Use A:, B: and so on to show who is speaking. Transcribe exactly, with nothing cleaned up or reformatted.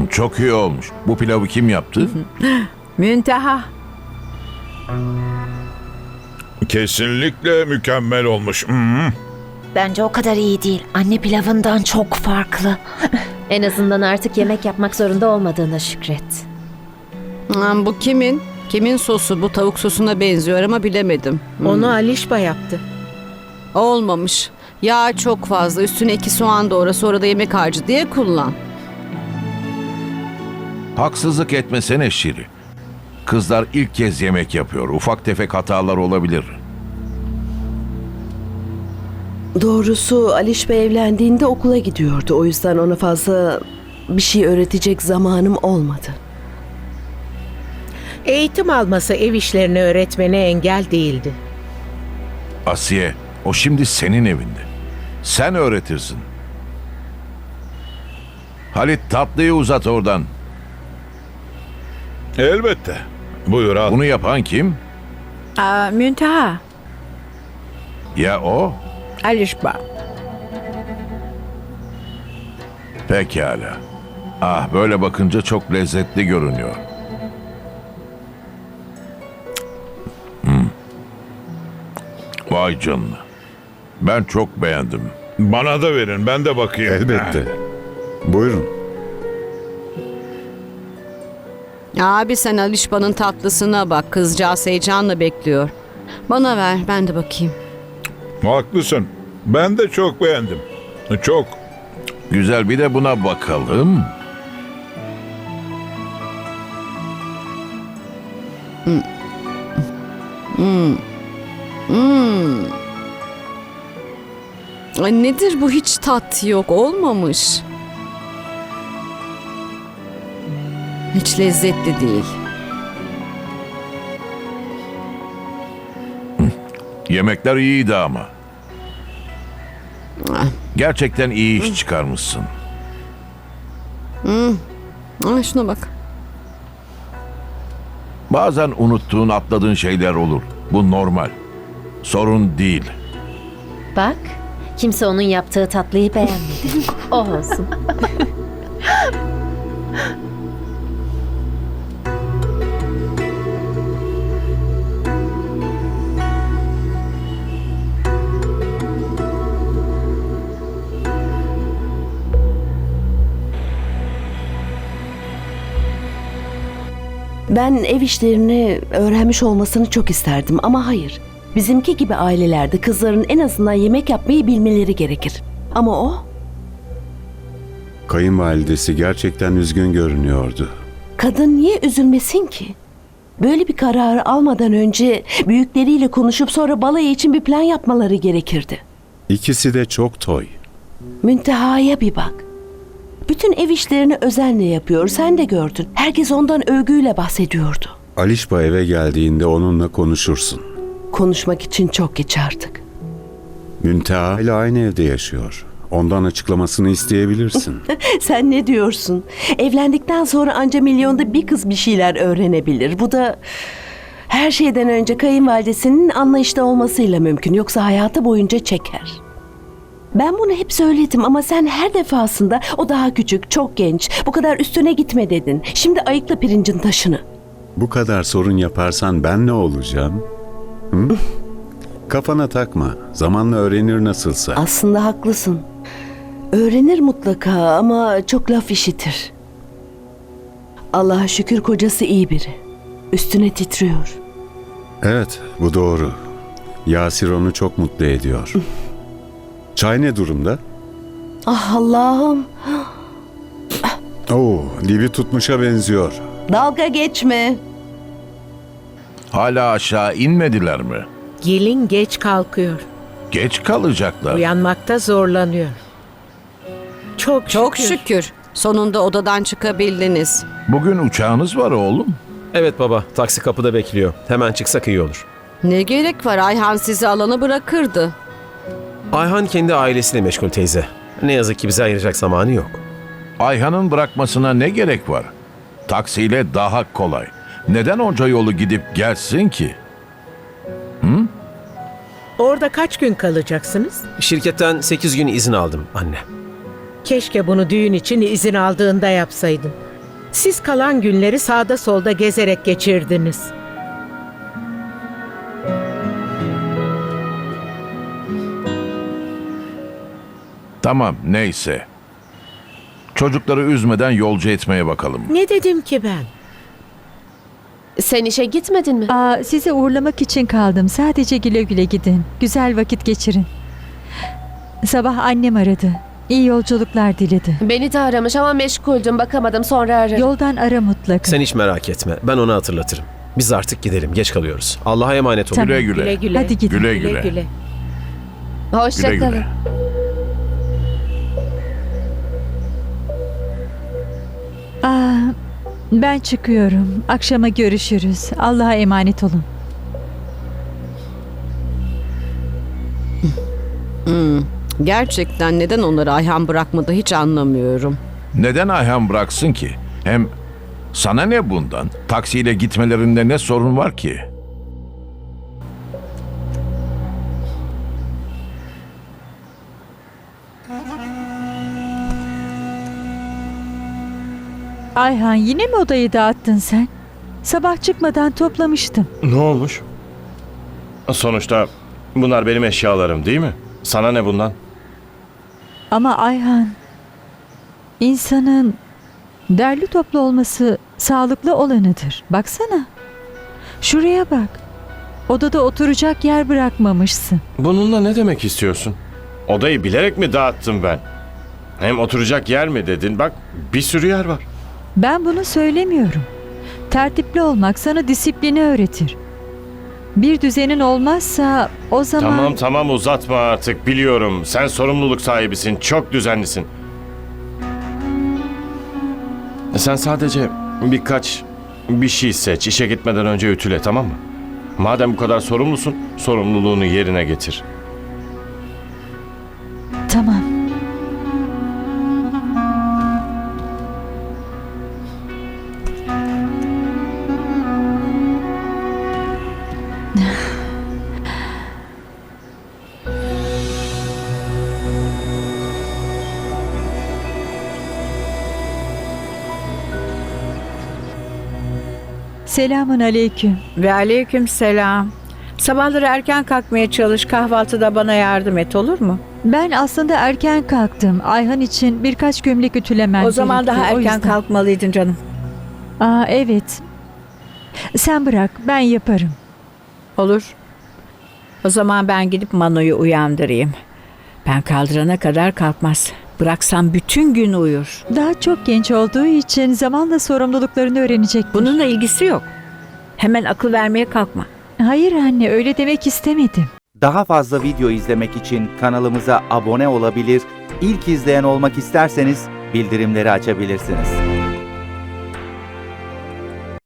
A: Çok iyi olmuş. Bu pilavı kim yaptı?
B: Münteha.
C: Kesinlikle mükemmel olmuş. Hmm.
D: Bence o kadar iyi değil. Anne pilavından çok farklı.
E: En azından artık yemek yapmak zorunda olmadığına şükret.
B: Hmm, Bu kimin? Kimin sosu? Bu tavuk sosuna benziyor ama bilemedim. Hmm.
F: Onu Alişba yaptı.
B: Olmamış. Yağ çok fazla. Üstüne iki soğan doğra, sonra da yemek harcı diye kullan.
A: Haksızlık etmesene Şiri. Kızlar ilk kez yemek yapıyor. Ufak tefek hatalar olabilir.
G: Doğrusu Aliş Bey evlendiğinde okula gidiyordu. O yüzden ona fazla bir şey öğretecek zamanım olmadı.
F: Eğitim alması ev işlerini öğretmene engel değildi.
A: Asiye, o şimdi senin evinde. Sen öğretirsin. Halit, tatlıyı uzat oradan.
C: Elbette. Buyur al.
A: Bunu yapan kim?
B: Aa, Münteha.
A: Ya o?
B: Alişba.
A: Pekala. Ah, böyle bakınca çok lezzetli görünüyor. Hmm. Vay canına. Ben çok beğendim.
C: Bana da verin, ben de bakayım.
H: Elbette. Buyurun.
B: Abi sen Alişba'nın tatlısına bak. Kızcağız heyecanla bekliyor. Bana ver, ben de bakayım.
C: Haklısın. Ben de çok beğendim. Çok.
A: Güzel, bir de buna bakalım.
B: Ay nedir bu, hiç tat yok, olmamış. Hiç lezzetli değil.
A: Yemekler iyiydi ama.
B: Ah.
A: Gerçekten iyi iş çıkarmışsın.
B: Ay şuna bak.
A: Bazen unuttuğun, atladığın şeyler olur. Bu normal. Sorun değil.
E: Bak, kimse onun yaptığı tatlıyı beğenmedi. O olsun.
G: Ben ev işlerini öğrenmiş olmasını çok isterdim ama hayır. Bizimki gibi ailelerde kızların en azından yemek yapmayı bilmeleri gerekir. Ama o
H: Kayınvalidesi gerçekten üzgün görünüyordu.
G: kadın niye üzülmesin ki? Böyle bir kararı almadan önce büyükleriyle konuşup sonra balayı için bir plan yapmaları gerekirdi.
H: İkisi de çok toy.
G: Münteha'ya bir bak. Bütün ev işlerini özenle yapıyor. Sen de gördün. Herkes ondan övgüyle bahsediyordu.
H: Alişba eve geldiğinde onunla konuşursun.
G: Konuşmak için çok geç artık.
H: Münteha ile aynı evde yaşıyor. Ondan açıklamasını isteyebilirsin.
G: Sen ne diyorsun? Evlendikten sonra anca milyonda bir kız bir şeyler öğrenebilir. Bu da her şeyden önce kayınvalidesinin anlayışta olmasıyla mümkün. Yoksa hayatı boyunca çeker. Ben bunu hep söyledim ama sen her defasında o daha küçük, çok genç, bu kadar üstüne gitme dedin. Şimdi ayıkla pirincin taşını.
H: Bu kadar sorun yaparsan ben ne olacağım? Hı? Kafana takma. Zamanla öğrenir nasılsa.
G: Aslında haklısın. Öğrenir mutlaka ama çok laf işitir. Allah'a şükür kocası iyi biri. Üstüne titriyor.
H: Evet, bu doğru. Yasir onu çok mutlu ediyor. Çay ne durumda?
G: Ah Allah'ım.
H: Oo, dibi tutmuşa benziyor.
G: Dalga geçme.
A: Hala aşağı inmediler mi?
F: Gelin geç kalkıyor.
A: Geç kalacaklar.
F: Uyanmakta zorlanıyor. Çok,
B: Çok
F: şükür.
B: şükür. Sonunda odadan çıkabildiniz.
A: Bugün uçağınız var oğlum.
I: Evet baba, taksi kapıda bekliyor. Hemen çıksak iyi olur.
B: Ne gerek var? Ayhan sizi alana bırakırdı.
I: Ayhan kendi ailesiyle meşgul teyze. Ne yazık ki bize ayıracak zamanı yok.
A: Ayhan'ın bırakmasına ne gerek var? Taksiyle daha kolay. Neden onca yolu gidip gelsin ki?
F: Orada kaç gün kalacaksınız?
I: Şirketten sekiz gün izin aldım anne.
F: Keşke bunu düğün için izin aldığında yapsaydın. Siz kalan günleri sağda solda gezerek geçirdiniz.
A: Tamam, neyse. Çocukları üzmeden yolcu etmeye bakalım.
F: Ne dedim ki ben?
J: Sen işe gitmedin mi?
K: Aa, sizi uğurlamak için kaldım. Sadece güle güle gidin. Güzel vakit geçirin. Sabah annem aradı. İyi yolculuklar diledi.
J: Beni de aramış ama meşguldüm, bakamadım, sonra ararım.
K: Yoldan ara mutlaka.
I: Sen hiç merak etme. Ben onu hatırlatırım. Biz artık gidelim. Geç kalıyoruz. Allah'a emanet olun.
K: Tamam.
A: Güle güle.
F: Güle güle.
K: Hadi gidin.
A: Güle
F: Güle
A: güle.
F: güle.
J: Hoşça
A: Güle
J: kalın.
A: güle.
K: Aa, ben çıkıyorum. Akşama görüşürüz. Allah'a emanet olun.
B: Gerçekten neden onları Ayhan bırakmadı hiç anlamıyorum.
A: Neden Ayhan bıraksın ki? Hem sana ne bundan? Taksiyle gitmelerinde ne sorun var ki?
K: Ayhan, yine mi odayı dağıttın sen? Sabah çıkmadan toplamıştım.
L: Ne olmuş? Sonuçta bunlar benim eşyalarım değil mi? Sana ne bundan?
K: Ama Ayhan, insanın derli toplu olması sağlıklı olanıdır. Baksana. Şuraya bak. Odada oturacak yer bırakmamışsın.
L: Bununla ne demek istiyorsun? Odayı bilerek mi dağıttım ben? Hem oturacak yer mi dedin? Bak bir sürü yer var.
K: Ben bunu söylemiyorum. Tertipli olmak sana disiplini öğretir. Bir düzenin olmazsa o zaman...
L: Tamam tamam uzatma artık biliyorum. Sen sorumluluk sahibisin. Çok düzenlisin. Sen sadece birkaç bir şey seç. İşe gitmeden önce ütüle, tamam mı? Madem bu kadar sorumlusun, sorumluluğunu yerine getir.
K: Tamam. Selamun aleyküm.
M: Ve aleyküm selam. Sabahları erken kalkmaya çalış, kahvaltıda bana yardım et, olur mu?
K: Ben aslında erken kalktım. Ayhan için birkaç gömlek ütülemem
M: O zaman
K: gerekti,
M: daha
K: o
M: erken
K: yüzden.
M: kalkmalıydın canım.
K: Aa, evet. Sen bırak, ben yaparım.
M: Olur. O zaman ben gidip Mano'yu uyandırayım. Ben kaldırana kadar kalkmaz. Bıraksam bütün gün uyur.
K: Daha çok genç olduğu için zamanla sorumluluklarını öğrenecektir.
M: Bununla ilgisi yok. Hemen akıl vermeye kalkma.
K: Hayır anne, öyle demek istemedim.
N: Daha fazla video izlemek için kanalımıza abone olabilir, ilk izleyen olmak isterseniz bildirimleri açabilirsiniz.